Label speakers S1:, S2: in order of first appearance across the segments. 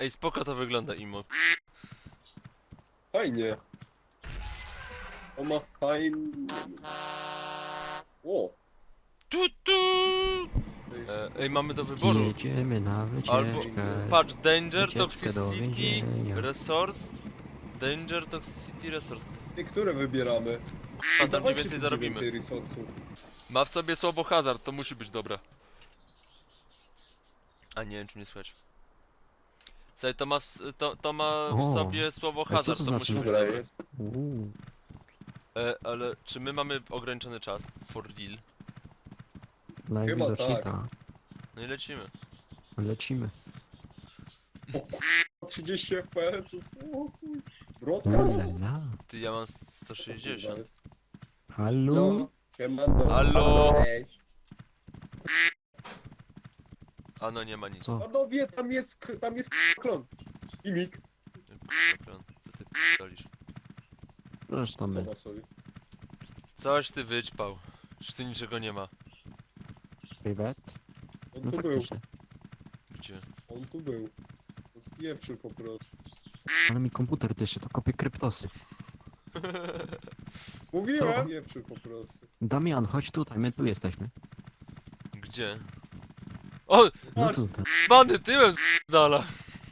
S1: Ej, spoko to wygląda, Imo.
S2: Fajnie. On ma fajny... O!
S1: Tu, tu. Ej, mamy do wyboru.
S3: Jedziemy na
S1: Albo,
S3: wycieczkę.
S1: patrz, Danger,
S3: Wycieczkę do
S1: Toxicity,
S3: więzienia.
S1: Resource. Danger, Toxicity, Resource.
S2: Ty, które wybieramy?
S1: A tam mniej
S2: Dawajcie
S1: więcej
S2: tu
S1: zarobimy.
S2: 9 resourców.
S1: Ma w sobie słowo hazard, to musi być dobre. A nie wiem, czy mnie słychać. Słuchaj, to ma w
S3: O,
S1: sobie słowo
S3: co
S1: hazard,
S3: to
S1: to musi
S3: znaczy?
S1: być
S2: Dobra
S1: dobre.
S2: jest.
S3: Uuu,
S1: Ale czy my mamy ograniczony czas? For real?
S3: najwidoczniej
S2: tak.
S3: tak.
S1: No i lecimy.
S3: Lecimy.
S2: 30 FPS. O chuj. Brodka?
S3: Ulala.
S1: Ty, ja mam 160.
S3: Halo?
S2: No, siemano.
S1: Halo?
S2: Cześć.
S1: A no nie ma nic.
S3: Co?
S2: Panowie, tam jest klon. Imik.
S1: Ekran, co ty p***olisz?
S3: Zresztą my.
S2: Zobacz sobie.
S1: Coś ty wyćpał. Już tu niczego nie ma.
S3: Privet?
S2: On
S3: No
S2: tu był.
S3: faktycznie.
S1: Gdzie?
S2: On tu był. To spieprzył po prostu.
S3: Ale mi komputer dyszy, to kopie kryptosy.
S2: Mówiłem! Spieprzył po prostu.
S3: Damian, chodź tutaj, my tu jesteśmy.
S1: Gdzie? O!
S3: No
S2: Patrz.
S3: tutaj.
S1: Bany tyłem dala.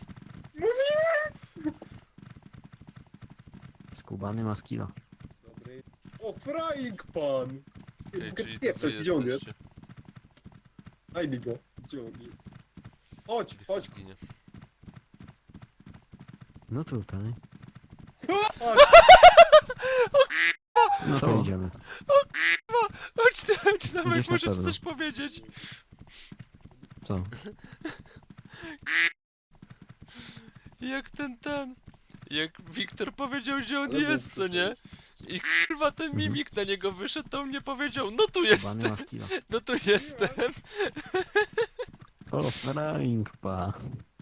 S3: Skubany ma skilla.
S2: Dobry. O, frying pan!
S1: Ej,
S2: Mogę
S1: czyli to
S2: pieprzeć,
S1: wy
S2: gdzie on jest?
S1: jesteście.
S2: Daj mi go. Gdzie on jest? Chodź, chodź.
S1: Zginie.
S3: No tutaj.
S2: Chodź.
S3: No to
S1: Co?
S3: idziemy.
S1: Chodź Namek,
S3: Idziesz na
S1: możesz
S3: pewno.
S1: coś powiedzieć.
S3: Co?
S1: Jak jak Wiktor powiedział, że on
S2: Ale był
S1: jest, co nie? I kurwa ten mimik na niego wyszedł, to mnie powiedział, no tu
S3: Skubany
S1: jestem,
S3: ma skilla.
S1: no tu jestem.
S3: O, frying pa.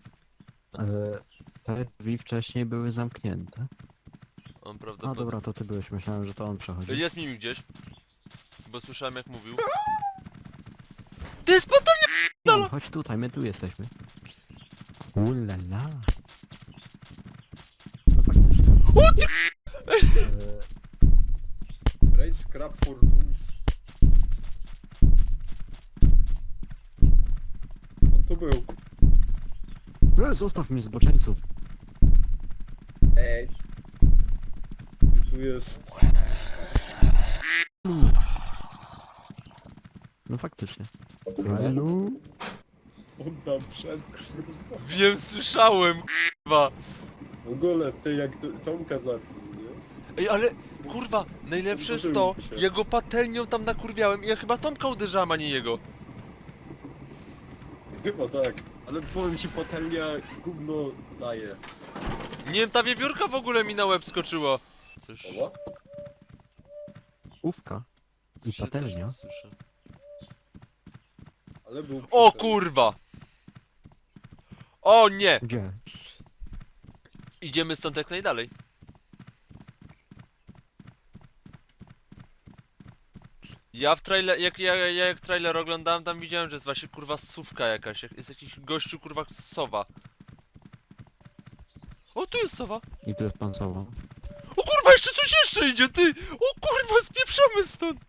S3: Te drzwi wcześniej były zamknięte.
S1: On
S3: A
S1: prawdopodobnie...
S3: dobra, to ty byłeś, myślałem, że to on przechodzi.
S1: Jest mimik gdzieś. Bo słyszałem jak mówił. Ty jest potem...
S3: Damian, chodź tutaj, my tu jesteśmy. Ulala. No faktycznie.
S1: O ty...
S2: Rage scrap for boost. On tu był.
S3: Zostaw mnie zboczeńcu.
S2: Ej. Ty tu jest.
S3: No faktycznie. Halo?
S2: On tam wszedł. kurwa.
S1: Wiem, słyszałem, kurwa.
S2: W ogóle, ty jak Tomka zabił, nie?
S1: Ej, ale kurwa, najlepsze jest to,
S2: Uderzył się.
S1: ja go patelnią tam nakurwiałem i ja chyba Tomka uderzałem, a nie jego.
S2: Chyba tak. Ale powiem ci, patelnia gówno daje.
S1: Nie wiem, ta wiewiórka w ogóle mi na łeb skoczyła. Coś...
S2: Oła?
S3: Ówka. I
S1: coś się
S3: patelnia.
S1: też słyszę.
S2: Ale był...
S1: O
S2: przy-
S1: kurwa! O nie!
S3: Gdzie?
S1: Idziemy stąd jak najdalej. Ja w trailer, jak trailer oglądałem, tam widziałem, że jest właśnie kurwa sówka jakaś. Jest jakiś gościu kurwa sowa. O, tu jest sowa.
S3: I tu jest pan Sowa.
S1: O kurwa, jeszcze coś jeszcze idzie, ty! O kurwa, spieprzamy stąd!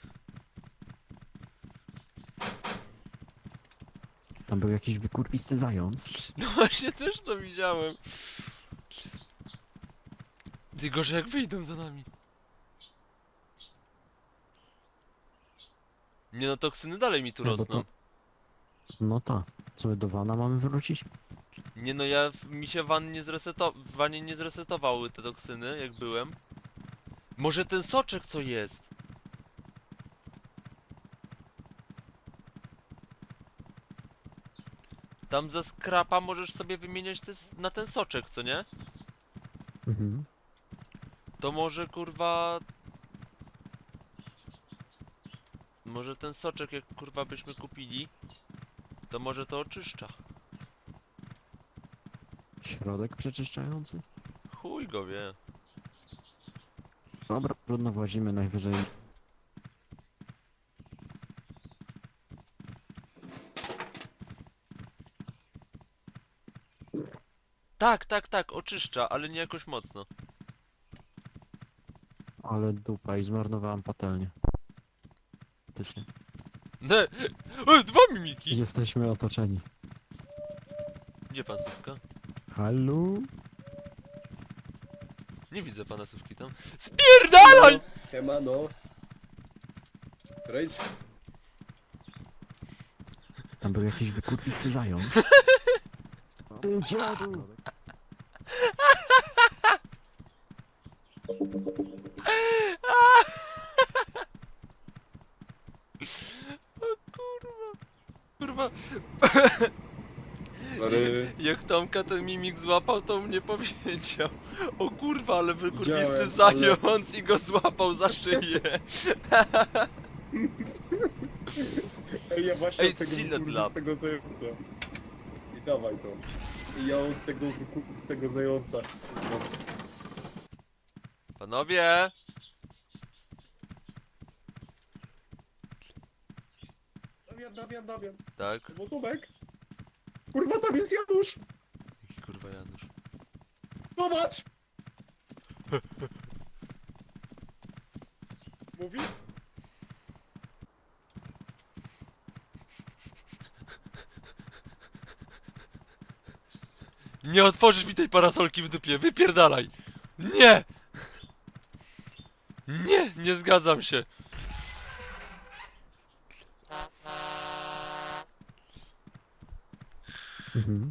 S3: Tam był jakiś wykurwisty zając.
S1: No właśnie, też to widziałem. Ty, gorzej jak wyjdą za nami. Nie no, toksyny dalej mi tu
S3: Nie, bo
S1: rosną.
S3: No ta. Co my do wana mamy wrócić?
S1: Nie no, mi się w wanie nie zresetowały te toksyny, jak byłem. Może ten soczek co jest? Tam za skrapa możesz sobie wymieniać na ten soczek, co nie?
S3: Mhm.
S1: To może kurwa... Może ten soczek jak kurwa byśmy kupili, to może to oczyszcza.
S3: Środek przeczyszczający?
S1: Chuj go wie.
S3: Dobra, trudno włazimy najwyżej.
S1: Tak, tak, tak, oczyszcza, ale nie jakoś mocno.
S3: Ale dupa i zmarnowałem patelnię. Faktycznie.
S1: Ne, dwa mimiki!
S3: Jesteśmy otoczeni.
S1: Gdzie pan Sówka?
S3: Halo?
S1: Nie widzę pana Sówki tam. Spierdalaj!
S2: Siemano. Rage.
S3: Tam był jakiś wykurwisty zając. Ty dziadu!
S1: Kurwa,
S2: Sorry.
S1: jak Tomka ten mimik złapał, to mnie powiedział. O kurwa, ale wykurwisty
S2: Widziałem,
S1: zając i go złapał za szyję.
S2: Ej, ja właśnie
S1: Ej,
S2: od tego
S1: Cillet Lab.
S2: z tego zająca. I dawaj to. I ja od tego z tego zająca. No,
S1: Panowie!
S2: Damian.
S1: Tak?
S2: Bo Tomek. Kurwa, tam jest Janusz.
S1: Jaki kurwa Janusz?
S2: Zobacz. Mówi?
S1: Nie otworzysz mi tej parasolki w dupie, wypierdalaj! Nie! Nie, nie zgadzam się.
S3: Mhm.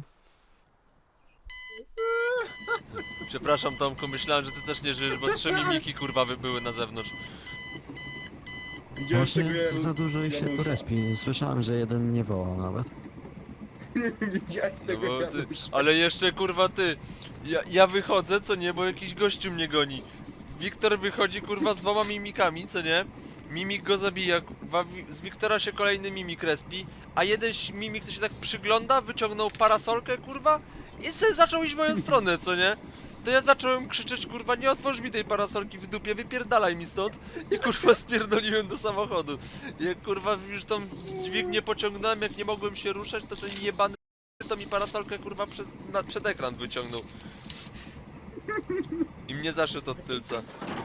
S1: Przepraszam Tomku, myślałem, że ty też nie żyjesz, bo 3 mimiki kurwa były na zewnątrz.
S2: Widziałeś tego
S3: Właśnie za dużo ich się tu respi. Słyszałem, że jeden mnie wołał nawet.
S2: Widziałeś
S1: No
S2: tego
S1: bo ty,
S2: Janusza.
S1: ale jeszcze kurwa ty. Ja wychodzę, co nie, bo jakiś gościu mnie goni. Wiktor wychodzi kurwa z 2 mimikami, co nie? Mimik go zabija, kurwa, z Wiktora się kolejny mimik respi, a jeden mimik to się tak przygląda, wyciągnął parasolkę kurwa i sobie zaczął iść w moją stronę, co nie? To ja zacząłem krzyczeć kurwa, nie otworz mi tej parasolki w dupie, wypierdalaj mi stąd i kurwa spierdoliłem do samochodu. Jak kurwa już tą dźwignię pociągnąłem, jak nie mogłem się ruszać, to ten jebany to mi parasolkę kurwa przed ekran wyciągnął. I mnie zaszedł od tylca.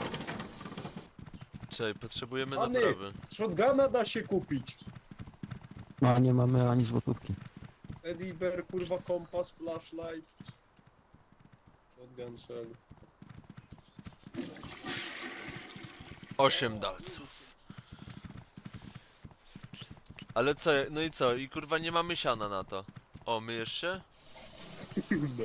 S1: Czekaj, potrzebujemy
S2: Pany!
S1: naprawy.
S2: Shotguna da się kupić.
S3: No a nie mamy ani złotówki.
S2: Ediber, kurwa, kompas, flashlight. Shotgun shell.
S1: 8 dalców. Ale co, no i co? I kurwa nie mamy siana na to. O, myjesz się?
S2: No.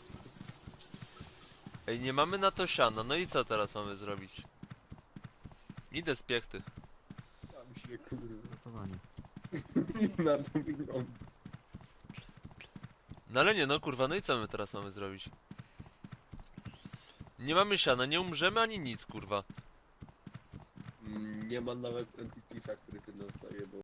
S1: Ej, nie mamy na to siana, no i co teraz mamy zrobić? Idę z piechty.
S2: Tam się, kurwa.
S3: Gotowanie.
S2: Na to wygląda.
S1: No ale nie, no kurwa, no i co my teraz mamy zrobić? Nie mamy siana, nie umrzemy ani nic, kurwa.
S2: Nie ma nawet Entitiesa, który by nas zajebał.